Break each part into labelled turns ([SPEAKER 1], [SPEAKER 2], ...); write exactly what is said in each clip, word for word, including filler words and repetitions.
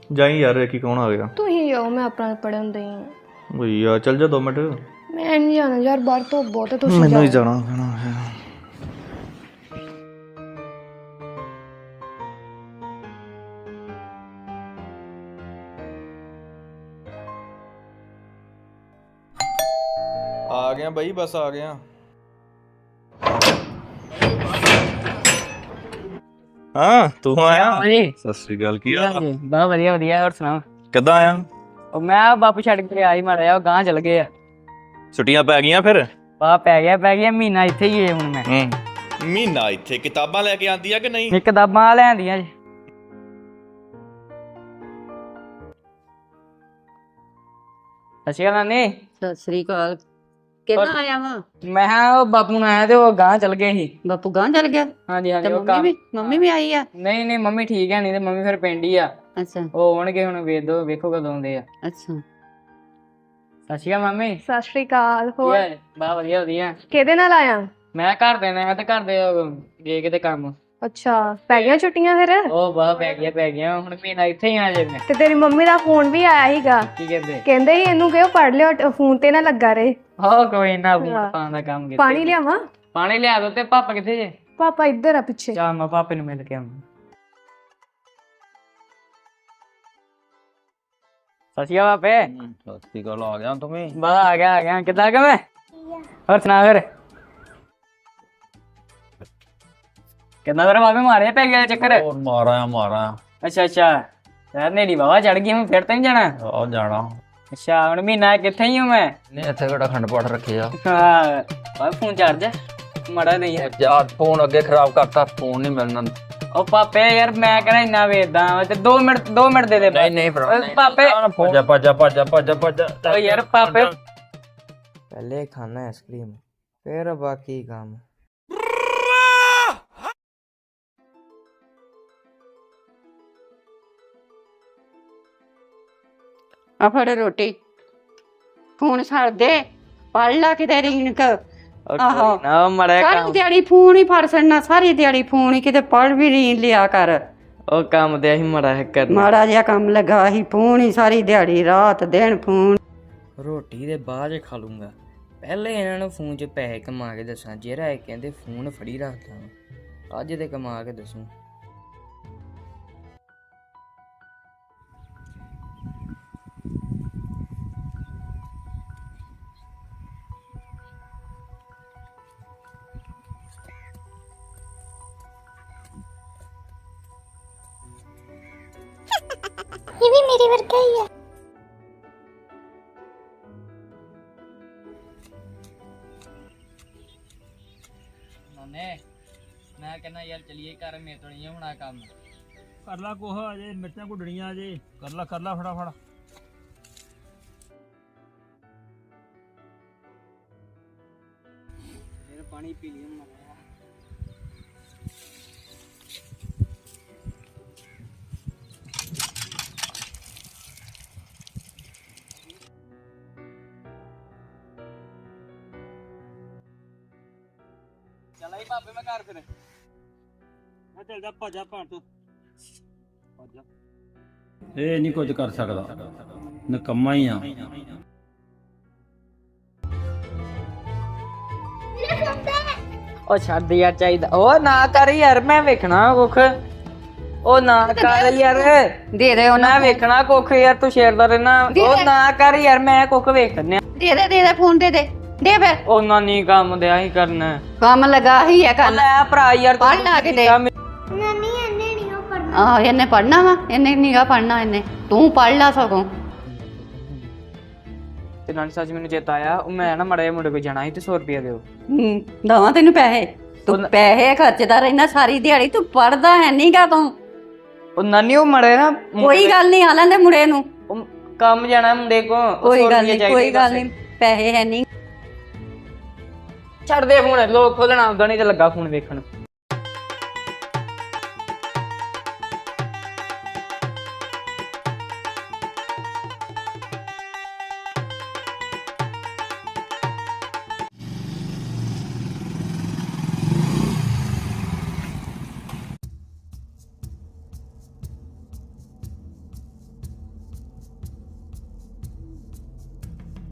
[SPEAKER 1] ਜਾਈ ਯਾਰ ਕੀ ਕੌਣ ਆ ਗਿਆ?
[SPEAKER 2] ਤੁਸੀਂ ਜਾਓ, ਮੈਂ ਆਪਣਾ ਪੜਨ ਦਈ ਹਾਂ।
[SPEAKER 1] ਓਏ ਯਾਰ ਚੱਲ ਜਾ ਦੋ ਮਿੰਟ।
[SPEAKER 2] ਮੈਂ ਨਹੀਂ ਜਾਣਾ ਯਾਰ, ਬਾਹਰ ਤੋਂ ਬਹੁਤ ਹੈ, ਤੁਸੀਂ
[SPEAKER 1] ਮੈਨੂੰ ਹੀ
[SPEAKER 2] ਜਾਓ।
[SPEAKER 1] ਜਾਣਾ ਪੈਣਾ ਹੈ। ਆ ਗਿਆ ਬਈ, ਬਸ ਆ ਗਿਆ। ਹਾਂ ਤੂੰ ਆਇਆ?
[SPEAKER 3] ਹਾਂਜੀ
[SPEAKER 1] ਸਤਿ ਸ੍ਰੀ ਅਕਾਲ, ਕੀ ਹਾਲ ਆ?
[SPEAKER 3] ਬਹੁਤ ਵਧੀਆ ਵਧੀਆ। ਹੋਰ ਸੁਣਾਓ?
[SPEAKER 1] ਕਿੱਦਾਂ ਆਇਆ?
[SPEAKER 3] ਉਹ ਮੈਂ ਬਾਪੂ ਛੱਡ ਕੇ ਆਈ ਮਾੜਾ, ਉਹ ਗਾਂ ਚਲ ਗਏ ਆ।
[SPEAKER 1] ਛੁੱਟੀਆਂ ਪੈ ਗਈਆਂ ਫਿਰ?
[SPEAKER 3] ਆ ਪੈ ਗਿਆ ਪੈ ਗਿਆ ਮਹੀਨਾ ਇੱਥੇ ਹੀ ਹੈ ਹੁਣ ਮੈਂ।
[SPEAKER 1] ਹੂੰ ਮਹੀਨਾ ਇੱਥੇ ਕਿਤਾਬਾਂ ਲੈ ਕੇ ਆਂਦੀ ਆ ਕਿ ਨਹੀਂ?
[SPEAKER 3] ਇਹ ਕਿਤਾਬਾਂ ਲੈਂਦੀਆਂ ਜੀ। ਸਤਿ ਸ਼੍ਰੀ ਅਕਾਲ ਨਾਨੀ।
[SPEAKER 4] ਸਤਿ ਸ੍ਰੀ ਅਕਾਲ। ਕਿੱਦਾਂ ਆਇਆ ਵਾ?
[SPEAKER 3] ਮੈਂ ਕਿਹਾ ਉਹ ਬਾਪੂ ਨਾਲ ਆਇਆ ਤੇ ਉਹ ਗਾਂ ਚਲ ਗਏ ਸੀ।
[SPEAKER 4] ਬਾਪੂ ਗਾਂ ਚੱਲ ਗਿਆ?
[SPEAKER 3] ਹਾਂਜੀ
[SPEAKER 4] ਤੇ
[SPEAKER 3] ਹਾਂਜੀ। ਉਹ
[SPEAKER 4] ਮੰਮੀ
[SPEAKER 3] ਕੰਮ
[SPEAKER 4] ਵੀ ਮੰਮੀ ਵੀ ਆਈ ਆ?
[SPEAKER 3] ਨਹੀਂ ਨਹੀਂ ਮੰਮੀ ਠੀਕ ਹੈ, ਨਹੀਂ ਤੇ ਮੰਮੀ ਫਿਰ ਪਿੰਡ ਹੀ ਆ।
[SPEAKER 4] ਅੱਛਾ
[SPEAKER 3] ਉਹ ਆਉਣਗੇ ਹੁਣ, ਵੇਖ ਦੋ ਵੇਖੋ ਕਦੋਂ ਆਉਂਦੇ ਆ।
[SPEAKER 4] ਅੱਛਾ।
[SPEAKER 3] ਸਤਿ ਸ਼੍ਰੀ ਅਕਾਲ ਮੰਮੀ।
[SPEAKER 2] ਸਤਿ ਸ਼੍ਰੀ ਅਕਾਲ। ਹੋਰ
[SPEAKER 3] ਬਹੁਤ ਵਧੀਆ ਵਧੀਆ।
[SPEAKER 2] ਕਿਹਦੇ ਨਾਲ ਆਇਆ?
[SPEAKER 3] ਮੈਂ ਘਰ ਦੇ ਮੈਂ ਤੇ ਘਰ ਦੇ ਉਹ ਗਏ ਕਿਤੇ ਕੰਮ।
[SPEAKER 2] ਅੱਛਾ, ਪੈ ਗਈਆਂ ਛੁੱਟੀਆਂ ਫਿਰ?
[SPEAKER 3] ਉਹ ਬਾਹ ਪੈ ਗਿਆ ਪੈ ਗਿਆ ਹੁਣ ਮਹੀਨਾ ਇੱਥੇ ਹੀ ਆ ਜੇ ਮੈਂ।
[SPEAKER 2] ਤੇ ਤੇਰੀ ਮੰਮੀ ਦਾ ਫੋਨ ਵੀ ਆਇਆ ਸੀਗਾ,
[SPEAKER 3] ਕੀ ਕਹਿੰਦੇ?
[SPEAKER 2] ਕਹਿੰਦੇ ਸੀ ਇਹਨੂੰ ਕਿਉਂ ਪੜ ਲਿਓ, ਫੋਨ ਤੇ ਨਾ ਲੱਗਾ ਰਹੇ।
[SPEAKER 3] ਹਾਂ ਕੋਈ ਨਾ, ਫੋਨ ਪਾਉਣ ਦਾ ਕੰਮ ਕੀਤਾ।
[SPEAKER 2] ਪਾਣੀ ਲਿਆਵਾਂ?
[SPEAKER 3] ਪਾਣੀ ਲਿਆ ਦੋ। ਤੇ ਪਾਪਾ ਕਿੱਥੇ ਜੇ?
[SPEAKER 2] ਪਾਪਾ ਇੱਧਰ ਆ ਪਿੱਛੇ।
[SPEAKER 3] ਚਾ ਮੈਂ ਪਾਪੇ ਨੂੰ ਮਿਲ ਕੇ ਆਵਾਂ। ਸਤਿ ਸ਼੍ਰੀ ਅਕਾਲ ਪਾਪੇ।
[SPEAKER 1] ਸਤਿ ਸ੍ਰੀ ਅਕਾਲ, ਆ ਗਿਆ ਤੂੰ ਵੀ?
[SPEAKER 3] ਬਸ ਆ ਗਿਆ ਆ ਗਿਆ। ਕਿੱਦਾਂ ਕਿ ਮੈਂ? ਹੋਰ ਸੁਣਾ ਫਿਰ? ਕਿੰਨਾ ਦਰ ਬਾਬੇ ਮਾਰੇ ਪੈ ਗਿਆ ਚੱਕਰ?
[SPEAKER 5] ਹੋਰ ਮਾਰਾਂ ਮਾਰਾਂ।
[SPEAKER 3] ਅੱਛਾ ਅੱਛਾ ਯਾਰ, ਨੇੜੀ ਬਾਬਾ ਚੜ ਗਈ, ਹੁਣ ਫਿਰ ਤਾਂ ਨਹੀਂ ਜਾਣਾ?
[SPEAKER 5] ਆ ਜਾਣਾ।
[SPEAKER 3] ਅੱਛਾ ਹੁਣ ਮਹੀਨਾ ਕਿੱਥੇ ਹੀ ਹਾਂ ਮੈਂ?
[SPEAKER 5] ਨਹੀਂ ਇੱਥੇ ਕਿਹੜਾ ਖੰਡ ਪਾਠ ਰੱਖਿਆ?
[SPEAKER 3] ਹਾਂ ਬਾਬਾ ਫੋਨ ਚਾਰਜ ਮਾੜਾ ਨਹੀਂ ਹੈ
[SPEAKER 5] ਯਾਰ ਫੋਨ ਅੱਗੇ ਖਰਾਬ ਕਰਤਾ, ਫੋਨ ਨਹੀਂ ਮਿਲਣਾ।
[SPEAKER 3] ਉਹ ਪਾਪੇ ਯਾਰ ਮੈਂ ਕਿਹੜਾ ਇੰਨਾ ਵੇਚਦਾ ਤੇ ਦੋ ਮਿੰਟ ਦੋ ਮਿੰਟ ਦੇ ਦੇ।
[SPEAKER 5] ਨਹੀਂ ਨਹੀਂ ਭਰਾ
[SPEAKER 3] ਪਾਪੇ
[SPEAKER 5] ਭੱਜਾ ਭੱਜਾ ਭੱਜਾ ਭੱਜਾ ਭੱਜਾ।
[SPEAKER 3] ਓ ਯਾਰ ਪਾਪੇ
[SPEAKER 6] पहले खाना आइसक्रीम फिर बाकी काम।
[SPEAKER 4] ਆ ਫੜ ਰੋਟੀ। ਫੋਨ ਛੱਡ ਦੇ, ਪੜ ਲਾ ਕਿਤੇ ਰਿੰਕ। ਆਹੋ
[SPEAKER 3] ਨਾ ਮੜਾ
[SPEAKER 4] ਸਾਰੀ
[SPEAKER 3] ਕੰਮ,
[SPEAKER 4] ਦਿਹਾੜੀ ਫੋਨ ਹੀ ਫੜ ਛੱਡਣਾ, ਸਾਰੀ ਦਿਹਾੜੀ ਫੋਨ ਹੀ, ਕਿਤੇ ਪੜ ਵੀ ਨਹੀਂ ਲਿਆ ਕਰ।
[SPEAKER 3] ਉਹ ਕੰਮ ਤੇ ਅਸੀਂ ਮੜਾ ਹੈ ਕਰਨਾ।
[SPEAKER 4] ਮਾੜਾ ਜਿਹਾ ਕੰਮ ਲੱਗਾ ਸੀ, ਫੋਨ ਹੀ ਸਾਰੀ ਦਿਹਾੜੀ ਰਾਤ ਦਿਨ ਫੋਨ।
[SPEAKER 6] ਰੋਟੀ ਦੇ ਬਾਅਦ 'ਚ ਖਾ ਲੂੰਗਾ, ਪਹਿਲੇ ਇਹਨਾਂ ਨੂੰ ਫੋਨ 'ਚ ਪੈਸੇ ਕਮਾ ਕੇ ਦੱਸਾਂ। ਜਿਹੜਾ ਇਹ ਕਹਿੰਦੇ ਫੋਨ ਫੜੀ ਰੱਖਦਾ, ਅੱਜ ਤੇ ਕਮਾ ਕੇ ਦੱਸੂ।
[SPEAKER 7] ये भी मेरे वर्गा ही है।
[SPEAKER 3] ਨਾਨੇ ਮੈਂ ਕਹਿੰਦਾ ਯਾਰ ਚਲੀਏ ਘਰ, ਮੇਰੇ ਤੋਂ ਨਹੀਂ ਹੋਣਾ ਕੰਮ।
[SPEAKER 5] ਕਰ ਲਾ ਕੋਹ ਅਜੇ ਮਿਰਚਾਂ ਗੁੱਡਣੀਆਂ ਅਜੇ। ਕਰ ਲਾ ਕਰ ਲਾ ਫਟਾਫਟ।
[SPEAKER 3] ਫਿਰ ਪਾਣੀ ਪੀ ਲਿਆ ਮਰਾ। ਚੱਲ ਆਈ ਪਾਪੇ ਮੈਂ ਘਰ ਫਿਰ।
[SPEAKER 5] ਮੈਂ ਚੱਲ ਜਾ, ਭੱਜਾ ਭਾਂ ਤੂੰ ਭੱਜਾ। ਇਹ ਨਹੀਂ ਕੁਝ ਕਰ ਸਕਦਾ, ਨਕੰਮਾ ਹੀ ਆ।
[SPEAKER 3] ਉਹ ਛੱਡ ਯਾਰ, ਚਾਹੀਦਾ ਉਹ ਨਾ ਕਰ ਯਾਰ, ਮੈਂ ਵੇਖਣਾ ਕੁੱਖ। ਉਹ ਨਾ ਕਰ ਯਾਰ,
[SPEAKER 4] ਦੇ ਦੇ ਉਹਨਾਂ
[SPEAKER 3] ਮੈਂ ਵੇਖਣਾ ਕੁੱਖ ਯਾਰ, ਤੂੰ ਸ਼ੇਰਦਾ ਰਹਿਣਾ। ਉਹ ਨਾ ਕਰ ਯਾਰ, ਮੈਂ ਕੁੱਖ ਵੇਖਣਿਆ।
[SPEAKER 4] ਦੇ ਦੇ ਦੇ ਦੇ ਫੋਨ ਦੇ ਦੇ ਦੇ ਫਿਰ।
[SPEAKER 3] ਉਹ ਨਾਨੀ ਕੰਮ ਦਿਆ ਹੀ ਕਰਨਾ।
[SPEAKER 4] ਕੰਮ ਲੱਗਾ ਹੀ ਆ ਕਰਨ।
[SPEAKER 3] ਲੈ ਭਰਾ ਯਾਰ, ਤੂੰ
[SPEAKER 4] ਪੜ੍ਹ ਲਾ ਕਿਤੇ।
[SPEAKER 7] नानी अन्ने नहीं हो पढ़ना।
[SPEAKER 4] ਆਹ ਇਹਨੇ ਪੜਨਾ ਵਾ, ਇਹਨੇ ਨੀਗਾ ਪੜਨਾ, ਇਹਨੇ ਤੂੰ ਪੜ ਲਾ ਸਗੋਂ।
[SPEAKER 3] ਤੇ ਨਾਨੀ ਸੱਚ ਮੈਨੂੰ ਚੇਤਾ ਆਇਆ, ਉਹ ਮੈਂ ਨਾ ਮੜੇ ਮੁੰਡੇ ਕੋਲ ਜਾਣਾ ਸੀ ਤੇ ਸੌ ਰੁਪਇਆ ਦਿਓ।
[SPEAKER 4] ਹੂੰ ਦਵਾਂ ਤੈਨੂੰ ਪੈਸੇ? ਤੂੰ ਪੈਸੇ ਖਰਚਦਾ ਰਹਿਣਾ ਸਾਰੀ ਦਿਹਾੜੀ, ਤੂੰ ਪੜਦਾ ਹੈ ਨਹੀਂਗਾ ਤੂੰ।
[SPEAKER 3] ਉਹ ਨਾਨੀ ਉਹ ਮੜੇ ਨਾ
[SPEAKER 4] ਕੋਈ ਗੱਲ ਨਹੀਂ, ਆ ਲੈਂਦੇ ਮੁੰਡੇ ਨੂੰ।
[SPEAKER 3] ਉਹ ਕੰਮ ਜਾਣਾ ਮੁੰਡੇ ਕੋ।
[SPEAKER 4] ਕੋਈ ਗੱਲ ਨਹੀਂ ਕੋਈ ਗੱਲ ਨਹੀਂ, ਪੈਸੇ ਹੈ ਨਹੀਂ।
[SPEAKER 3] ਛੱਡ ਦੇ ਫੋਨ, ਲੋਕ ਖੋਲਣਾ ਆਉਂਦਾ ਨਹੀਂ ਤੇ ਲੱਗਾ ਫੋਨ ਵੇਖਣ।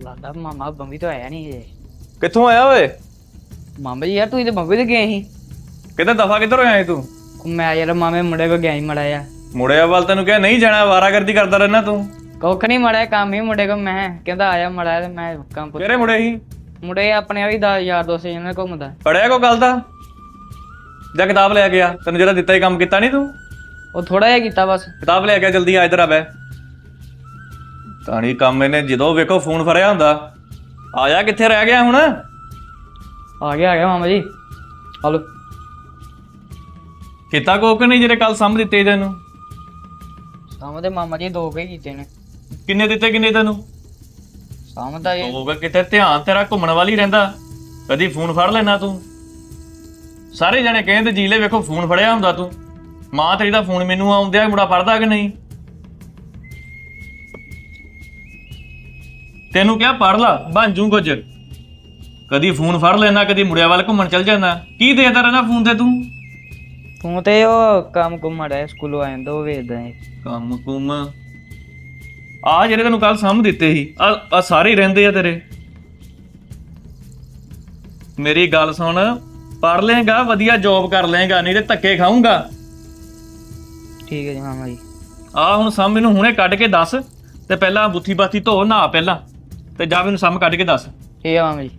[SPEAKER 6] ਲੱਗਦਾ ਮਾਮਾ ਬੰਬੀ ਤੋਂ ਆਇਆ ਨਹੀਂ ਜੇ।
[SPEAKER 1] ਕਿੱਥੋਂ ਆਇਆ ਓਏ?
[SPEAKER 6] ਮਾਮਾ ਜੀ ਯਾਰ ਤੂੰ ਤੇ ਬੰਬੀ ਤੇ ਗਏ ਸੀ।
[SPEAKER 1] ਕਿਤੇ ਦਫਾ ਕਿੱਧਰ ਹੋਇਆ ਤੂੰ?
[SPEAKER 6] ਉਹ ਮੈਂ ਯਾਰ ਮਾਮੇ ਮੁੰਡੇ ਕੋ ਗਿਆ ਸੀ ਮੜਾ ਆ।
[SPEAKER 1] ਮੁੜਿਆ ਵੱਲ ਤੈਨੂੰ ਕਿਹਾ ਨਹੀਂ ਜਾਣਾ, ਵਾਰਾਗਰਦੀ ਕਰਦਾ ਰਹਿਣਾ ਤੂੰ।
[SPEAKER 6] ਕੁੱਖ ਨਹੀਂ ਮੜਾ ਕੰਮ ਹੀ ਮੁੰਡੇ ਕੋ, ਮੈਂ ਕਹਿੰਦਾ ਆਇਆ ਮੜਾ ਤੇ ਮੈਂ ਕੰਮ ਪੁੱਛ।
[SPEAKER 1] ਕਿਹੜੇ ਮੁੜੇ ਸੀ?
[SPEAKER 6] ਮੁੰਡੇ ਆਪਣੇ ਵੀ ਦਸ ਯਾਰ ਦੋਸਤ ਜਿਹਨਾਂ ਘੁੰਮਦਾ।
[SPEAKER 1] ਪੜਿਆ ਕੋ ਗੱਲ ਦਾ? ਜਾਂ ਕਿਤਾਬ ਲੈ ਗਿਆ? ਤੈਨੂੰ ਜਿਹੜਾ ਦਿੱਤਾ ਹੀ ਕੰਮ ਕੀਤਾ ਨਹੀਂ ਤੂੰ?
[SPEAKER 6] ਉਹ ਥੋੜਾ ਜਿਹਾ ਕੀਤਾ ਬਸ।
[SPEAKER 1] ਕਿਤਾਬ ਲੈ ਗਿਆ, ਜਲਦੀ ਆ ਇੱਧਰ ਆ ਬੈ। ਤਾਣੀ ਕੰਮ ਇਹਨੇ ਜਦੋਂ ਵੇਖੋ ਫੋਨ ਫੜਿਆ ਹੁੰਦਾ। ਆਇਆ ਕਿੱਥੇ ਰਹਿ ਗਿਆ ਹੁਣ?
[SPEAKER 6] ਆ ਗਿਆ ਆ ਗਿਆ ਮਾਮਾ ਜੀ। ਹਲੋ
[SPEAKER 1] ਕੀਤਾ ਕੋਕ ਨਹੀਂ ਜਿਹੜੇ ਕੱਲ ਸਾਂਭ ਦਿੱਤੇ ਤੈਨੂੰ?
[SPEAKER 6] ਸਾਮ ਦੇ ਮਾਮਾ ਜੀ ਦੋ ਕੇ ਕੀਤੇ ਨੇ।
[SPEAKER 1] ਕਿੰਨੇ ਦਿੱਤੇ ਕਿੰਨੇ ਤੈਨੂੰ?
[SPEAKER 6] ਸਾਮ ਦਾ ਇਹ
[SPEAKER 1] ਹੋਗਾ ਕਿਤੇ ਧਿਆਨ ਤੇਰਾ ਘੁੰਮਣ ਵਾਲੀ ਰਹਿੰਦਾ, ਕਦੀ ਫੋਨ ਫੜ ਲੈਣਾ ਤੂੰ। ਸਾਰੇ ਜਣੇ ਕਹਿੰਦੇ ਜੀਲੇ ਵੇਖੋ ਫੋਨ ਫੜਿਆ ਹੁੰਦਾ ਤੂੰ। ਮਾਂ ਤੇਰੀ ਦਾ ਫੋਨ ਮੈਨੂੰ ਆਉਂਦਿਆ, ਮੁੰਡਾ ਪੜਦਾ ਕਿ ਨਹੀਂ? ਤੈਨੂੰ ਕਿਹਾ ਪੜ ਲਾ ਬਣ ਜੂ ਕੁਝ। ਕਦੀ ਫੋਨ ਫੜ ਲੈਣਾ, ਕਦੀ ਮੁੰਡਿਆਂ ਵੱਲ ਘੁੰਮਣ ਚੱਲ ਜਾਂਦਾ। ਕੀ ਦੇਖਦਾ ਰਹਿਣਾ ਫੋਨ ਤੇ ਤੂੰ?
[SPEAKER 6] ਤੂੰ ਤੇ ਉਹ ਕੰਮ ਕੁਮ ਮੜਾ ਸਕੂਲੋਂ ਆਇਆ ਤਾਂ ਉਹ ਵੇਖਦਾ ਹੈ।
[SPEAKER 1] ਕੰਮ ਕੁਮ ਆ ਜਿਹੜੇ ਤੈਨੂੰ ਕੱਲ ਸਾਂਭ ਦਿੱਤੇ ਸੀ, ਆ ਆ ਸਾਰੇ ਹੀ ਰਹਿੰਦੇ ਆ ਤੇਰੇ। ਮੇਰੀ ਗੱਲ ਸੁਣ, ਪੜ ਲੇਗਾ ਵਧੀਆ ਜੋਬ ਕਰ ਲੇਗਾ, ਨਹੀਂ ਤੇ ਧੱਕੇ ਖਾਊਂਗਾ।
[SPEAKER 6] ਠੀਕ ਹੈ ਜੀ ਮਾਮਾ ਜੀ।
[SPEAKER 1] ਆ ਹੁਣ ਸਾਂਭ ਮੈਨੂੰ ਹੁਣੇ ਕੱਢ ਕੇ ਦੱਸ, ਤੇ ਪਹਿਲਾਂ ਬੁੱਥੀ ਬਾਥੀ ਧੋ ਨਹਾ ਪਹਿਲਾਂ, ਤੇ ਜਾ ਮੈਨੂੰ ਸਾਂਭ ਕੱਢ ਕੇ ਦੱਸ।
[SPEAKER 6] ਠੀਕ ਹੈ ਮਾਮਾ ਜੀ।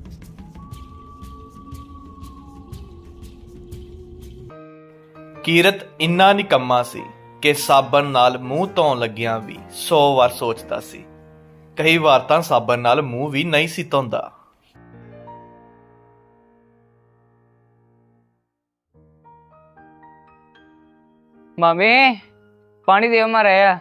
[SPEAKER 8] ਕੀਰਤ ਇੰਨਾ ਨਿਕੰਮਾ ਸੀ ਕਿ ਸਾਬਣ ਨਾਲ ਮੂੰਹ ਧੋਣ ਲੱਗਿਆਂ ਵੀ ਸੌ ਵਾਰ ਸੋਚਦਾ ਸੀ। ਕਈ ਵਾਰ ਤਾਂ ਸਾਬਣ ਨਾਲ ਮੂੰਹ ਵੀ ਨਹੀਂ ਸੀ ਧੋਂਦਾ।
[SPEAKER 6] ਮਾਮੇ ਪਾਣੀ ਦਿਓ ਮਾਰਿਆ।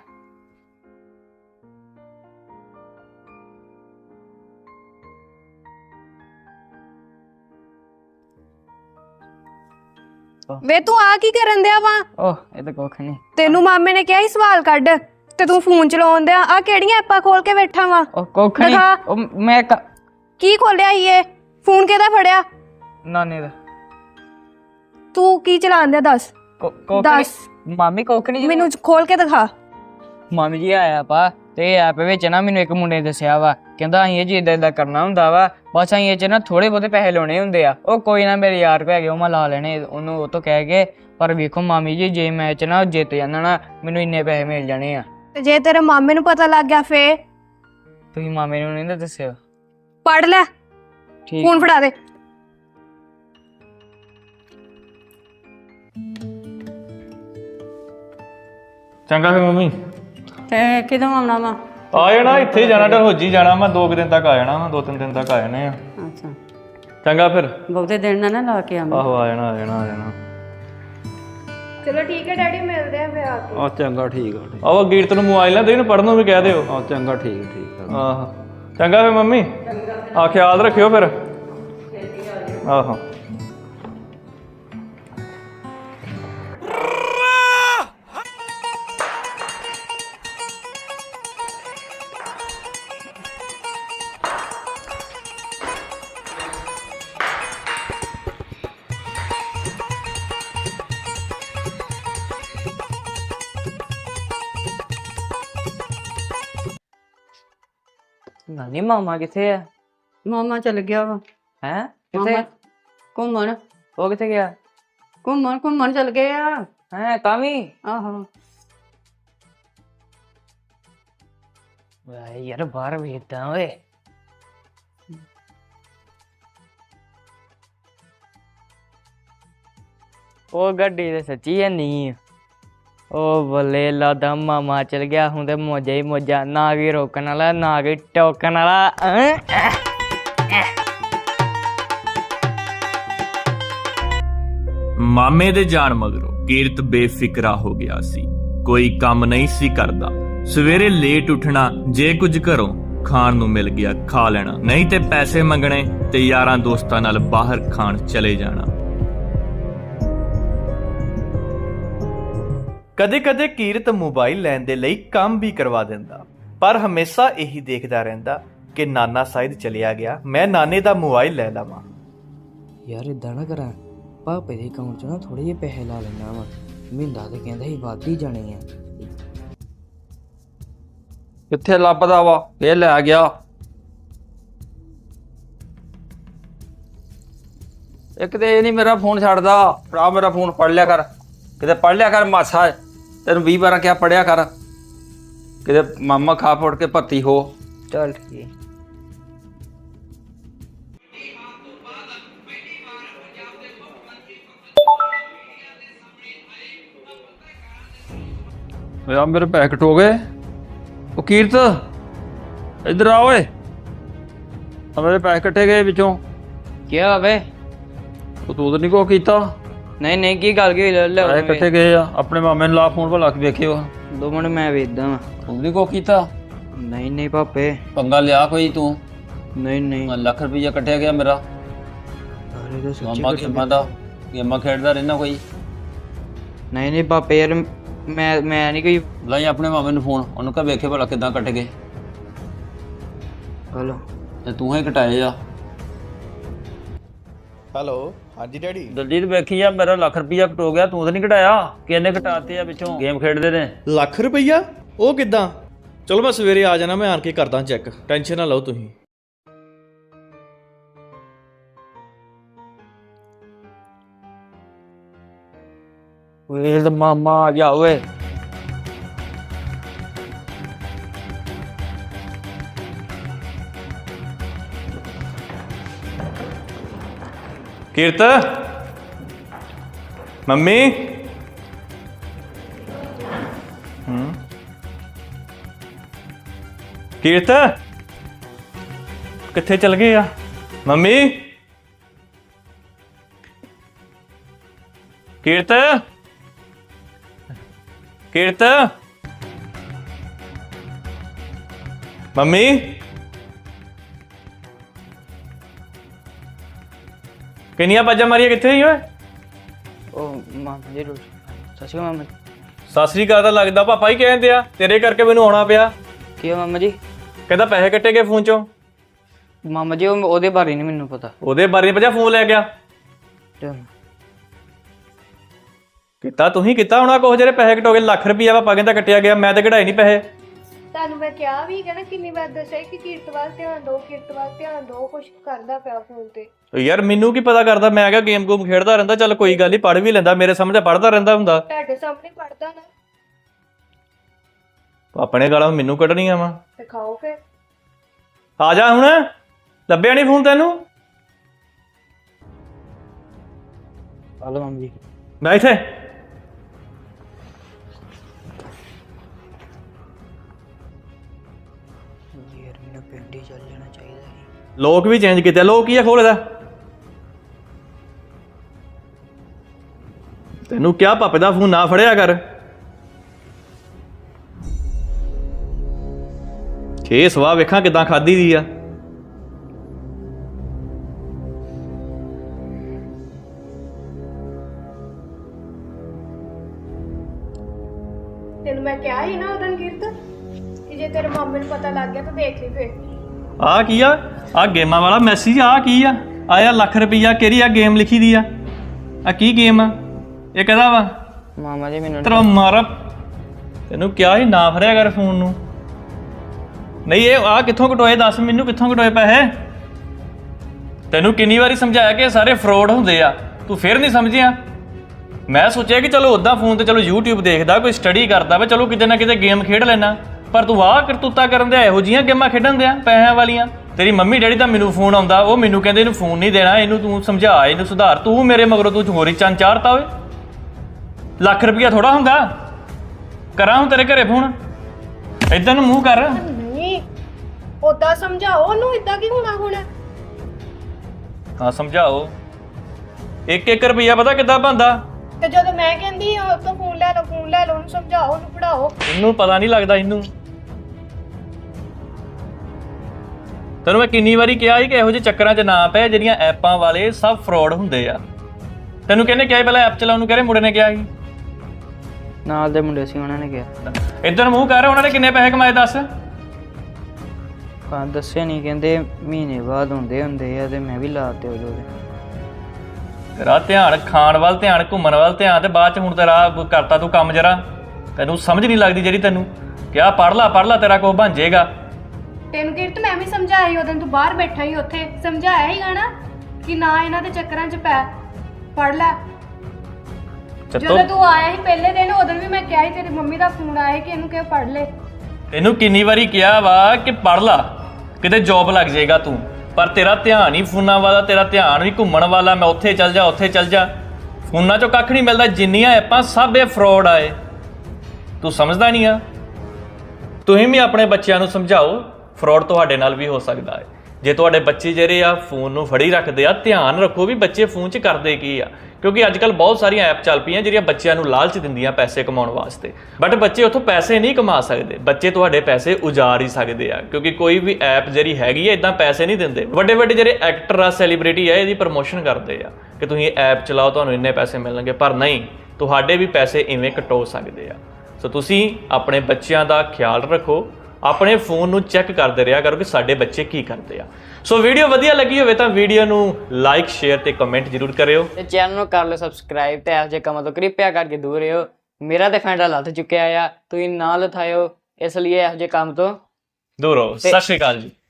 [SPEAKER 2] ਵੇ ਤੂੰ ਆ ਕੀ ਕਰਨ ਦਿਆ ਵਾ?
[SPEAKER 6] ਓਹ ਇਹ ਤਾਂ ਕੁੱਖ ਨਹੀਂ।
[SPEAKER 2] ਤੈਨੂੰ ਮਾਮੇ ਨੇ ਕਿਹਾ ਸੀ ਸਵਾਲ ਕੱਢ, ਤੇ ਤੂੰ ਫੋਨ ਚਲਾਉਣ ਦਿਆ। ਆ ਕਿਹੜੀਆਂ ਐਪਾਂ ਖੋਲ ਕੇ ਬੈਠਾ ਵਾ?
[SPEAKER 6] ਉਹ ਕੁੱਖ ਨਹੀਂ।
[SPEAKER 2] ਦਿਖਾ।
[SPEAKER 6] ਉਹ ਮੈਂ ਕ-
[SPEAKER 2] ਕੀ ਖੋਲਿਆ ਈ ਇਹ? ਫੋਨ ਕਿਹਦਾ ਫੜਿਆ?
[SPEAKER 6] ਨਾਨੇ ਦਾ।
[SPEAKER 2] ਤੂੰ ਕੀ ਚਲਾਉਣ ਦਿਆ ਦੱਸ?
[SPEAKER 6] ਕੁ- ਕੁੱਖ
[SPEAKER 2] ਦੱਸ
[SPEAKER 6] ਨਹੀਂ। ਮਾਮੀ ਕੁੱਖ ਨਹੀਂ।
[SPEAKER 2] ਮੈਨੂੰ ਖੋਲ ਕੇ ਦਿਖਾ।
[SPEAKER 6] ਮਾਮੀ ਜੀ ਆਇਆ ਪਾ ਤੇ ਐਪ ਵਿੱਚ ਨਾ ਮੈਨੂੰ ਇੱਕ ਮੁੰਡੇ ਨੇ ਦੱਸਿਆ ਵਾ, ਕਹਿੰਦਾ ਅਸੀਂ ਇਹ ਜੀ ਇਦਾਂ ਇਦਾਂ ਕਰਨਾ ਹੁੰਦਾ ਵਾ, ਬਸ ਅਸੀਂ ਇਹ ਚ ਨਾ ਥੋੜੇ ਬਹੁਤੇ ਪੈਸੇ ਲਾਉਣੇ ਹੁੰਦੇ ਆ। ਉਹ ਕੋਈ ਨਾ ਮੇਰੇ ਯਾਰ ਕੋ ਹੈਗੇ, ਉਹ ਮੈਂ ਲਾ ਲੈਣੇ ਉਹਨੂੰ, ਉਹ ਤੋਂ ਕਹਿ ਕੇ। ਪਰ ਵੇਖੋ ਮਾਮੀ ਜੀ, ਜੇ ਮੈਚ ਨਾ ਜਿੱਤ ਜਾਂਦਾ ਨਾ, ਮੈਨੂੰ ਇੰਨੇ ਪੈਸੇ ਮਿਲ ਜਾਣੇ ਆ।
[SPEAKER 2] ਤੇ ਜੇ ਤੇਰੇ ਮਾਮੇ ਨੂੰ ਪਤਾ ਲੱਗ ਗਿਆ ਫੇਰ?
[SPEAKER 6] ਤੁਸੀਂ ਮਾਮੇ ਨੂੰ ਨਹੀਂ ਦੱਸਿਆ?
[SPEAKER 2] ਪੜ ਲੈ,
[SPEAKER 6] ਠੀਕ।
[SPEAKER 2] ਫੋਨ ਫੜਾ ਦੇ।
[SPEAKER 1] ਚੰਗਾ ਫਿਰ ਮੰਮੀ।
[SPEAKER 4] ਤੇ ਕਿਦੋਂ ਆਉਣਾ ਵਾ?
[SPEAKER 1] ਆ ਜਾਣਾ, ਇੱਥੇ ਹੀ ਜਾਣਾ, ਡਲਹੌਜੀ ਜਾਣਾ ਮੈਂ। ਦੋ ਕੁ ਦਿਨ ਤੱਕ ਆ ਜਾਣਾ ਮੈਂ, ਦੋ ਤਿੰਨ ਦਿਨ ਤੱਕ ਆ ਜਾਣੇ ਆ।
[SPEAKER 4] ਅੱਛਾ,
[SPEAKER 1] ਚੰਗਾ ਫਿਰ।
[SPEAKER 4] ਬਹੁਤੇ ਦਿਨ ਨਾ ਨਾ ਲਾ ਕੇ ਆਵਾਂ।
[SPEAKER 1] ਆਹੋ ਆ ਜਾਣਾ ਆ ਜਾਣਾ ਆ ਜਾਣਾ।
[SPEAKER 2] ਚਲੋ ਠੀਕ ਹੈ ਡੈਡੀ, ਮਿਲਦੇ ਆ ਫੇਰ ਆ ਕੇ।
[SPEAKER 5] ਆ ਚੰਗਾ ਠੀਕ ਆ ਠੀਕ
[SPEAKER 1] ਆਹ ਗੀਰਤ ਨੂੰ ਮੋਬਾਈਲ ਨਾ ਦੇ, ਇਹਨੂੰ ਪੜਨ ਨੂੰ ਵੀ ਕਹਿ ਦਿਓ।
[SPEAKER 5] ਆ ਚੰਗਾ ਠੀਕ ਠੀਕ ਆ।
[SPEAKER 1] ਆਹ ਚੰਗਾ ਫਿਰ ਮੰਮੀ, ਆ ਖਿਆਲ ਰੱਖਿਓ ਫਿਰ। ਆਹੋ
[SPEAKER 6] ਨਾਨੀ ਮਾਮਾ ਕਿੱਥੇ ਆ?
[SPEAKER 4] ਮਾਮਾ ਚਲ ਗਿਆ ਵਾ।
[SPEAKER 6] ਹੈ
[SPEAKER 4] ਮਾਮਾ
[SPEAKER 6] ਕਿੱਥੇ?
[SPEAKER 4] ਘੁੰਮਣ
[SPEAKER 6] ਉਹ ਕਿੱਥੇ ਗਿਆ?
[SPEAKER 4] ਘੁੰਮਣ ਘੁੰਮਣ ਚਲ ਗਏ ਆ।
[SPEAKER 6] ਹੈ ਤਾਂ ਵੀ?
[SPEAKER 4] ਆਹੋ।
[SPEAKER 6] ਵਾਹ ਯਾਰ ਬਾਹਰ ਵੇਖਦਾ ਓਏ। ਉਹ ਗੱਡੀ ਤੇ ਸੱਚੀ ਹੈ ਨਹੀਂ। ਉਹ ਬੱਲੇ ਲਾਦਾ ਮਾਮਾ ਚਲ ਗਿਆ, ਹੁਣ ਤੇ ਮੋਜਾ ਹੀ ਮੋਜਾ, ਨਾ ਕੋਈ ਰੋਕਣ ਵਾਲਾ ਨਾ ਕੋਈ ਟੋਕਣ ਵਾਲਾ।
[SPEAKER 1] ਮਾਮੇ ਦੇ ਜਾਣ ਮਗਰੋਂ ਕੀਰਤ ਬੇਫਿਕਰਾ ਹੋ ਗਿਆ ਸੀ। ਕੋਈ ਕੰਮ ਨਹੀਂ ਸੀ ਕਰਦਾ। ਸਵੇਰੇ ਲੇਟ ਉੱਠਣਾ, ਜੇ ਕੁਝ ਘਰੋਂ ਖਾਣ ਨੂੰ ਮਿਲ ਗਿਆ ਖਾ ਲੈਣਾ, ਨਹੀਂ ਤੇ ਪੈਸੇ ਮੰਗਣੇ ਤੇ ਯਾਰਾਂ ਦੋਸਤਾਂ ਨਾਲ ਬਾਹਰ ਖਾਣ ਚਲੇ ਜਾਣਾ।
[SPEAKER 8] ਕਦੇ-ਕਦੇ ਕੀਰਤ ਮੋਬਾਈਲ ਲੈਣ ਦੇ ਲਈ ਕੰਮ ਵੀ ਕਰਵਾ ਦਿੰਦਾ, ਪਰ ਹਮੇਸ਼ਾ ਇਹੀ ਦੇਖਦਾ ਰਹਿੰਦਾ ਕਿ ਨਾਨਾ ਸ਼ਾਇਦ ਚਲਿਆ ਗਿਆ, ਮੈਂ ਨਾਨੇ ਦਾ ਮੋਬਾਈਲ ਲੈ ਲਵਾਂ।
[SPEAKER 6] ਯਾਰ ਇਦਾਂ ਨਾ ਕਰਾਂ, ਪਾਪੇ ਦੇ ਅਕਾਊਂਟ 'ਚ ਨਾ ਥੋੜੇ ਜਿਹੇ ਪੈਸੇ ਲਾ ਲੈਣਾ ਵਾ। ਮਹਿੰਦਾ ਤੇ ਕਹਿੰਦਾ ਸੀ ਵੱਧ ਹੀ ਜਾਣੇ ਆ।
[SPEAKER 5] ਕਿੱਥੇ ਲੱਭਦਾ ਵਾ? ਇਹ ਲੈ ਗਿਆ। ਇੱਕ ਤੇ ਇਹ ਨਹੀਂ ਮੇਰਾ ਫੋਨ ਛੱਡਦਾ। ਭਰਾ ਮੇਰਾ ਫੋਨ ਪੜ ਲਿਆ ਕਰ, ਕਿਤੇ ਪੜ ਲਿਆ ਕਰ ਮਾਸਾ। ਤੈਨੂੰ ਵੀਹ ਵਾਰਾਂ ਕਿਹਾ ਪੜਿਆ ਕਰ, ਕਿਤੇ ਮਾਮਾ ਖਾ ਫੋੜ ਕੇ ਭਰਤੀ ਹੋ।
[SPEAKER 6] ਚੱਲ ਠੀਕ।
[SPEAKER 5] ਆ ਮੇਰੇ ਪੈਸੇ ਕਟੋ ਗਏ। ਉਹ ਕੀਰਤ ਇੱਧਰ ਆ ਓਏ, ਆ ਮੇਰੇ ਪੈਸੇ ਕੱਟੇ ਗਏ ਵਿੱਚੋਂ।
[SPEAKER 6] ਕੀ ਹੋਇਆ ਵੇ?
[SPEAKER 5] ਉਹ ਤੂੰ ਤਾਂ ਨਹੀਂ ਕੋ ਕੀਤਾ।
[SPEAKER 6] ਨਹੀਂ ਨਹੀਂ ਕੀ ਗੱਲ ਕੀ ਲੈ
[SPEAKER 5] ਪੈਸੇ ਕੱਟੇ ਗਏ ਆ। ਆਪਣੇ ਮਾਮੇ ਨੂੰ ਲਾ ਫੋਨ ਭਲਾ ਕੇ ਵੇਖਿਓ।
[SPEAKER 6] ਦੋ ਮਿੰਟ ਮੈਂ ਵੇਖਦਾ ਵਾਂ।
[SPEAKER 5] ਤੂੰ ਨਹੀਂ ਕੋ ਕੀਤਾ।
[SPEAKER 6] ਨਹੀਂ ਨਹੀਂ ਪਾਪੇ,
[SPEAKER 5] ਪੰਗਾ ਲਿਆ ਕੋਈ ਤੂੰ।
[SPEAKER 6] ਨਹੀਂ ਨਹੀਂ
[SPEAKER 5] ਲੱਖ ਰੁਪਈਆ ਕੱਟਿਆ ਗਿਆ ਮੇਰਾ।
[SPEAKER 6] ਅਰੇ ਤਾਂ ਸੱਚੀ
[SPEAKER 5] ਮਾਮਾ
[SPEAKER 6] ਕੁਛ
[SPEAKER 5] ਗੇਮਾਂ ਦਾ ਗੇਮਾਂ ਖੇਡਦਾ ਰਹਿਣਾ ਕੋਈ।
[SPEAKER 6] ਨਹੀਂ ਨਹੀਂ ਪਾਪੇ ਯਾਰ ਮੈਂ ਮੈਂ ਨਹੀਂ ਕੋਈ।
[SPEAKER 5] ਲਾਈ ਆਪਣੇ ਮਾਮੇ ਨੂੰ ਫੋਨ, ਉਹਨੂੰ ਕਹ ਵੇਖੇ ਭਲਾ ਕਿੱਦਾਂ ਕੱਟ ਗਏ।
[SPEAKER 6] ਹਲੋ
[SPEAKER 5] ਤੇ ਤੂੰ ਹੀ ਕਟਾਏ ਆ।
[SPEAKER 8] ਹੈਲੋ, ਹਾਂਜੀ ਡੈਡੀ।
[SPEAKER 5] ਦਲਜੀਤ ਵੇਖੀ ਆ, ਮੇਰਾ ਲੱਖ ਰੁਪਈਆ ਕਟੋ ਗਿਆ। ਤੂੰ ਤਾਂ ਨਹੀਂ ਕਟਾਇਆ। ਕਿੰਨੇ ਕਟਾਤੇ ਆ ਵਿੱਚੋਂ? ਗੇਮ ਖੇਡਦੇ ਨੇ।
[SPEAKER 8] ਲੱਖ ਰੁਪਈਆ? ਉਹ ਕਿੱਦਾਂ? ਚਲੋ ਮੈਂ ਸਵੇਰੇ ਆ ਜਾਣਾ, ਮੈਂ ਆਣ ਕੇ ਕਰਦਾ ਚੈੱਕ, ਟੈਨਸ਼ਨ ਨਾ ਲਓ ਤੁਸੀਂ।
[SPEAKER 5] ਓਏ ਤੇ ਮਾਮਾ ਆ ਗਿਆ ਓਏ।
[SPEAKER 8] ਕੀਰਤ, ਮੰਮੀ। ਹੂੰ ਕੀਰਤ ਕਿੱਥੇ ਚਲ ਗਏ ਆ? Mummy Kirat, Kirat mummy. ਕਿੰਨੀਆਂ ਬਾਜਾਂ ਮਾਰੀਆਂ, ਕਿੱਥੇ ਹੀ ਓਏ?
[SPEAKER 6] ਉਹ ਮਾਮਾ ਜੀ ਰੋਟੀ ਸੱਚੀ ਮਾਮਾ ਜੀ।
[SPEAKER 8] ਸਤਿ ਸ੍ਰੀ ਅਕਾਲ। ਤਾਂ ਲੱਗਦਾ ਪਾਪਾ ਹੀ ਕਹਿੰਦੇ ਆ, ਤੇਰੇ ਕਰਕੇ ਮੈਨੂੰ ਆਉਣਾ ਪਿਆ।
[SPEAKER 6] ਕੀ ਹੋਇਆ ਮਾਮਾ ਜੀ?
[SPEAKER 8] ਕਹਿੰਦਾ ਪੈਸੇ ਕੱਟੇ ਗਏ ਫੋਨ ਚੋਂ।
[SPEAKER 6] ਮਾਮਾ ਜੀ ਉਹ- ਉਹਦੇ ਬਾਰੇ ਨਹੀਂ ਮੈਨੂੰ ਪਤਾ।
[SPEAKER 8] ਉਹਦੇ ਬਾਰੇ ਪਜਾ ਫੋਨ ਲੈ ਗਿਆ ਕੀਤਾ ਤੂੰ ਹੀ ਕੀਤਾ ਹੋਣਾ ਕੁਝ। ਜਿਹੜੇ ਪੈਸੇ ਕਟੋਗੇ ਲੱਖ ਰੁਪਈਆ ਪਾਪਾ ਕਹਿੰਦਾ ਕੱਟਿਆ ਗਿਆ, ਮੈਂ ਤਾਂ ਕਢਾਏ ਨਹੀਂ ਪੈਸੇ।
[SPEAKER 2] ਤੁਹਾਨੂੰ ਮੈਂ ਕਿਹਾ ਵੀ ਹੈ ਨਾ ਕਿੰਨੀ ਵਾਰ ਦੱਸਿਆ ਕਿ ਕੀਰਤ ਵੱਲ ਧਿਆਨ ਦਿਓ, ਕੀਰਤ ਵੱਲ ਧਿਆਨ ਦਿਓ, ਕੁਛ ਕਰਦਾ ਪਿਆ ਫੋਨ ਤੇ।
[SPEAKER 8] ਯਾਰ ਮੈਨੂੰ ਕੀ ਪਤਾ ਕਰਦਾ, ਮੈਂ ਕਿਹਾ ਗੇਮ ਗੂਮ ਖੇਡਦਾ ਰਹਿੰਦਾ, ਚੱਲ ਕੋਈ ਗੱਲ ਨਹੀਂ, ਪੜ੍ਹ ਵੀ ਲੈਂਦਾ, ਮੇਰੇ ਸਾਹਮਣੇ ਪੜ੍ਹਦਾ ਰਹਿੰਦਾ ਹੁੰਦਾ।
[SPEAKER 2] ਤੁਹਾਡੇ ਸਾਹਮਣੇ ਪੜਦਾ ਨਾ।
[SPEAKER 8] ਆਪਣੇ ਗਾਲਾਂ ਮੈਨੂੰ ਕੱਢਣੀਆਂ ਵਾ।
[SPEAKER 2] ਤੇ ਖਾਓ ਫਿਰ।
[SPEAKER 8] ਆ ਜਾ ਹੁਣ, ਲੱਭਿਆ ਨਹੀਂ ਫੋਨ ਤੈਨੂੰ?
[SPEAKER 6] ਹਲੋ ਮਾਮਾ ਜੀ।
[SPEAKER 8] ਮੈਂ ਇੱਥੇ
[SPEAKER 6] ਯਾਰ ਮੈਨੂੰ ਪਿੰਡ ਹੀ ਚੱਲ ਜਾਣਾ ਚਾਹੀਦਾ ਸੀ।
[SPEAKER 8] ਲੋਕ ਵੀ ਚੇਂਜ ਕੀਤੇ। ਲੋਕ ਕੀ ਆ ਖੋਲਦਾ? ਤੈਨੂੰ ਕਿਹਾ ਪਾਪੇ ਦਾ ਫੋਨ ਨਾ ਫੜਿਆ ਕਰ। ਛੇ ਸਵਾ ਵੇਖਾਂ ਕਿਦਾਂ ਖਾਦੀ ਦੀ ਆ।
[SPEAKER 2] ਤੈਨੂੰ ਮੈਂ ਕਿਹਾ ਸੀ ਨਾ ਉਦੋਂ ਕੀਰਤ ਕਿ ਜੇ ਤੇਰੇ ਮਾਮੇ ਨੂੰ ਪਤਾ ਲੱਗ ਗਿਆ ਤਾਂ ਦੇਖ ਲਈ ਫਿਰ।
[SPEAKER 8] ਆ ਕੀ ਆ? ਆ ਗੇਮਾਂ ਵਾਲਾ ਮੈਸੇਜ ਆ ਕੀ ਆ? ਆਇਆ ਲੱਖ ਰੁਪਈਆ, ਕਿਹੜੀ ਆ ਗੇਮ ਲਿਖੀ ਦੀ ਆ? ਆ ਕੀ ਗੇਮ ਆ? ਇਹ ਕਹਦਾ ਵਾ?
[SPEAKER 6] ਮਾਮਾ ਜੀ ਮੈਨੂੰ
[SPEAKER 8] ਤੇਰਾ ਮਾਰਾ, ਤੈਨੂੰ ਕਿਹਾ ਸੀ ਨਾ ਫੜਿਆ ਕਰ ਫੋਨ ਨੂੰ। ਨਹੀਂ ਇਹ ਆ ਕਿੱਥੋਂ ਕਟੋਏ? ਦੱਸ ਮੈਨੂੰ ਕਿੱਥੋਂ ਕਟੋਏ ਪੈਸੇ? ਤੈਨੂੰ ਕਿੰਨੀ ਵਾਰੀ ਸਮਝਾਇਆ ਕਿ ਇਹ ਸਾਰੇ ਫਰੋਡ ਹੁੰਦੇ ਆ, ਤੂੰ ਫਿਰ ਨਹੀਂ ਸਮਝਿਆ। ਮੈਂ ਸੋਚਿਆ ਕਿ ਚਲੋ ਉੱਦਾਂ ਫੋਨ ਤੇ ਚਲੋ YouTube ਦੇਖਦਾ, ਕੋਈ ਸਟੱਡੀ ਕਰਦਾ ਵਾ, ਚਲੋ ਕਿਤੇ ਨਾ ਕਿਤੇ ਗੇਮ ਖੇਡ ਲੈਣਾ, ਪਰ ਤੂੰ ਆਹ ਕਰਤੂਤਾ ਕਰਨ ਦੇ ਇਹੋ ਜਿਹੀਆਂ ਗੇਮਾਂ ਖੇਡਣ ਦਿਆ ਪੈਸਿਆਂ ਵਾਲੀਆਂ। ਤੇਰੀ ਮੰਮੀ ਡੈਡੀ ਦਾ ਮੈਨੂੰ ਫੋਨ ਆਉਂਦਾ, ਉਹ ਮੈਨੂੰ ਕਹਿੰਦੇ ਇਹਨੂੰ ਫੋਨ ਨਹੀਂ ਦੇਣਾ, ਇਹਨੂੰ ਤੂੰ ਸਮਝਾ, ਇਹਨੂੰ ਸੁਧਾਰ। ਤੂੰ ਮੇਰੇ ਮਗਰੋਂ ਤੂੰ ਹੋਰ ਹੀ ਚੰਨ ਚਾੜਤਾ ਓਏ। ਲੱਖ ਰੁਪਈਆ ਥੋੜਾ ਹੁੰਦਾ। ਕਰਾਂ ਹੁਣ ਤੇਰੇ ਘਰੇ ਫੋਨ? ਏਦਾਂ ਨੂੰ ਮੂੰਹ ਕਰ।
[SPEAKER 2] ਨਹੀਂ ਉਦਾਂ ਸਮਝਾਓ ਉਹਨੂੰ, ਇਦਾਂ ਕੀ ਹੋਣਾ ਹੁਣ?
[SPEAKER 8] ਹਾਂ ਸਮਝਾਓ। ਇੱਕ ਇੱਕ ਰੁਪਈਆ ਪਤਾ ਕਿੱਦਾਂ ਬਣਦਾ?
[SPEAKER 2] ਤੇ ਜਦੋਂ ਮੈਂ ਕਹਿੰਦੀ ਉਹ ਤੋਂ ਫੋਨ ਲੈ ਲਓ, ਫੋਨ ਲੈ ਲਓ, ਉਹਨੂੰ ਸਮਝਾਓ, ਉਹਨੂੰ ਪੜਾਓ।
[SPEAKER 8] ਇਹਨੂੰ ਪਤਾ ਨਹੀਂ ਲੱਗਦਾ। ਇਹਨੂੰ ਤੈਨੂੰ ਮੈਂ ਕਿੰਨੀ ਵਾਰੀ ਕਿਹਾ ਸੀ ਕਿ ਇਹੋ ਜਿਹੇ ਚੱਕਰਾਂ 'ਚ ਨਾ ਪਏ। ਜਿਹੜੀਆਂ ਐਪਾਂ ਵਾਲੇ ਸਭ ਫਰਾਡ ਹੁੰਦੇ ਆ। ਤੈਨੂੰ ਕਹਿੰਦੇ ਕਿਹਾ ਪਹਿਲਾਂ ਐਪ ਚਲਾਉਣ ਨੂੰ, ਕਹਿ ਰਹੇ ਮੁੰਡੇ ਨੇ ਕਿਹਾ ਸੀ
[SPEAKER 6] ਨਾਲ ਦੇ ਮੁੰਡੇ ਸੀ, ਉਹਨਾਂ ਨੇ ਕਿਹਾ।
[SPEAKER 8] ਇੱਧਰ ਮੂੰਹ ਕਰ। ਉਹਨਾਂ ਨੇ ਕਿੰਨੇ ਪੈਸੇ ਕਮਾਏ ਦੱਸ?
[SPEAKER 6] ਹਾਂ ਦੱਸਿਆ ਨਹੀਂ, ਕਹਿੰਦੇ ਮਹੀਨੇ ਬਾਅਦ ਹੁੰਦੇ ਹੁੰਦੇ ਆ, ਤੇ ਮੈਂ ਵੀ ਲਾਤੇ ਉਦੋਂ ਦੇ।
[SPEAKER 8] ਤੇਰਾ ਧਿਆਨ ਖਾਣ ਵੱਲ, ਧਿਆਨ ਘੁੰਮਣ ਵੱਲ, ਧਿਆਨ ਤੇ ਬਾਅਦ 'ਚ ਹੁਣ ਤੇਰਾ ਕਰਤਾ ਤੂੰ ਕੰਮ ਜਰਾ। ਤੈਨੂੰ ਸਮਝ ਨਹੀਂ ਲੱਗਦੀ ਜਿਹੜੀ ਤੈਨੂੰ ਕਿਹਾ ਪੜ੍ਹ ਲਾ ਪੜ੍ਹ ਲਾ, ਤੇਰਾ ਕੁਛ ਬਣ ਜਾਏਗਾ।
[SPEAKER 2] ਤੈਨੂੰ ਕੀਰਤ ਮੈਂ ਵੀ ਸਮਝਾਇਆ ਸੀ ਉਦੋਂ, ਤੂੰ ਬਾਹਰ ਬੈਠਾ ਹੀ ਉੱਥੇ ਸਮਝਾਇਆ ਹੀਗਾ ਨਾ। ਕਿ ਨਾ ਇਹਨਾਂ ਦੇ ਚੱਕਰਾਂ 'ਚ ਪੈ, ਪੜ ਲੈ।
[SPEAKER 8] ਤੇ
[SPEAKER 2] ਜਦੋਂ
[SPEAKER 8] ਤੂੰ
[SPEAKER 2] ਤੂੰ ਆਇਆ ਸੀ ਪਹਿਲੇ ਦਿਨ, ਉਦੋਂ ਵੀ ਮੈਂ ਕਿਹਾ ਸੀ ਤੇਰੀ ਮੰਮੀ ਦਾ ਫੋਨ ਆਇਆ ਕਿ ਇਹਨੂੰ ਕਿਹਾ ਪੜ ਲੈ।
[SPEAKER 8] ਇਹਨੂੰ ਕਿੰਨੀ ਵਾਰੀ ਕਿਹਾ ਵਾ ਕਿ ਪੜ ਲਾ, ਕਿਤੇ ਜੌਬ ਲੱਗ ਜਾਏਗਾ ਤੂੰ, ਪਰ ਤੇਰਾ ਧਿਆਨ ਹੀ ਫੋਨਾਂ ਵਾਲਾ, ਤੇਰਾ ਧਿਆਨ ਵੀ ਘੁੰਮਣ ਵਾਲਾ। ਮੈਂ ਉੱਥੇ ਚੱਲ ਜਾ ਉੱਥੇ ਚੱਲ ਜਾ, ਫੋਨਾਂ 'ਚੋਂ ਕੱਖ ਨਹੀਂ ਮਿਲਦਾ। ਜਿੰਨੀਆਂ ਐਪਾਂ ਸਭ ਇਹ ਫਰਾਡ ਆਏ, ਤੂੰ ਸਮਝਦਾ ਨਹੀਂ ਆ। ਤੁਸੀਂ ਵੀ ਆਪਣੇ ਬੱਚਿਆਂ ਨੂੰ ਸਮਝਾਓ, ਫਰਾਡ ਤੁਹਾਡੇ ਨਾਲ ਵੀ ਹੋ ਸਕਦਾ ਹੈ। ਜੇ ਤੁਹਾਡੇ ਬੱਚੇ ਜਿਹੜੇ ਆ ਫੋਨ ਨੂੰ ਫੜੀ ਰੱਖਦੇ ਆ, ਧਿਆਨ ਰੱਖੋ ਵੀ ਬੱਚੇ ਫੋਨ 'ਚ ਕਰਦੇ ਕੀ ਆ, ਕਿਉਂਕਿ ਅੱਜ ਕੱਲ ਬਹੁਤ ਸਾਰੀਆਂ ਐਪ ਚੱਲ ਪਈਆਂ ਜਿਹੜੀਆਂ ਬੱਚਿਆਂ ਨੂੰ ਲਾਲਚ ਦਿੰਦੀਆਂ ਪੈਸੇ ਕਮਾਉਣ ਵਾਸਤੇ। ਬਟ ਬੱਚੇ ਉੱਥੋਂ ਪੈਸੇ ਨਹੀਂ ਕਮਾ ਸਕਦੇ, ਬੱਚੇ ਤੁਹਾਡੇ ਪੈਸੇ ਉਜਾੜ ਹੀ ਸਕਦੇ ਆ, ਕਿਉਂਕਿ ਕੋਈ ਵੀ ਐਪ ਜਿਹੜੀ ਹੈਗੀ ਆ ਇਦਾਂ ਪੈਸੇ ਨਹੀਂ ਦਿੰਦੇ। ਵੱਡੇ ਵੱਡੇ ਜਿਹੜੇ ਐਕਟਰ ਆ, ਸੈਲੀਬ੍ਰਿਟੀ ਆ, ਇਹਦੀ ਪ੍ਰਮੋਸ਼ਨ ਕਰਦੇ ਆ ਕਿ ਤੁਸੀਂ ਐਪ ਚਲਾਓ ਤੁਹਾਨੂੰ ਇੰਨੇ ਪੈਸੇ ਮਿਲਣਗੇ, ਪਰ ਨਹੀਂ, ਤੁਹਾਡੇ ਵੀ ਪੈਸੇ ਇਵੇਂ ਕਟੋ ਸਕਦੇ ਆ। ਸੋ ਤੁਸੀਂ ਆਪਣੇ ਬੱਚਿਆਂ ਦਾ ਖਿਆਲ ਰੱਖੋ, ਆਪਣੇ ਫੋਨ ਨੂੰ ਚੈੱਕ ਕਰਦੇ ਰਿਹਾ ਕਰੋ ਕਿ ਸਾਡੇ ਬੱਚੇ ਕੀ ਕਰਦੇ ਆ। ਸੋ ਵੀਡੀਓ ਵਧੀਆ ਲੱਗੀ ਹੋਵੇ ਤਾਂ ਵੀਡੀਓ ਨੂੰ ਲਾਈਕ, ਸ਼ੇਅਰ ਤੇ ਕਮੈਂਟ ਜ਼ਰੂਰ ਕਰਿਓ
[SPEAKER 6] ਤੇ ਚੈਨਲ ਨੂੰ ਕਰ ਲਓ ਸਬਸਕ੍ਰਾਈਬ ਤੇ ਇਹੋ ਜਿਹੇ ਕੰਮਾਂ ਤੋਂ ਕਿਰਪਾ ਕਰਕੇ ਦੂਰ ਰਹੋ। ਮੇਰਾ ਤੇ ਫੈਂਡਾ ਲੱਥ ਚੁੱਕਿਆ ਆ, ਤੁਸੀਂ ਨਾ ਲਥਾਇਓ, ਇਸ ਲਈ ਇਹੋ ਜਿਹੇ ਕੰਮ ਤੋਂ
[SPEAKER 8] ਦੂਰ ਰਹੋ। ਸਤਿ ਸ਼੍ਰੀ ਅਕਾਲ ਜੀ।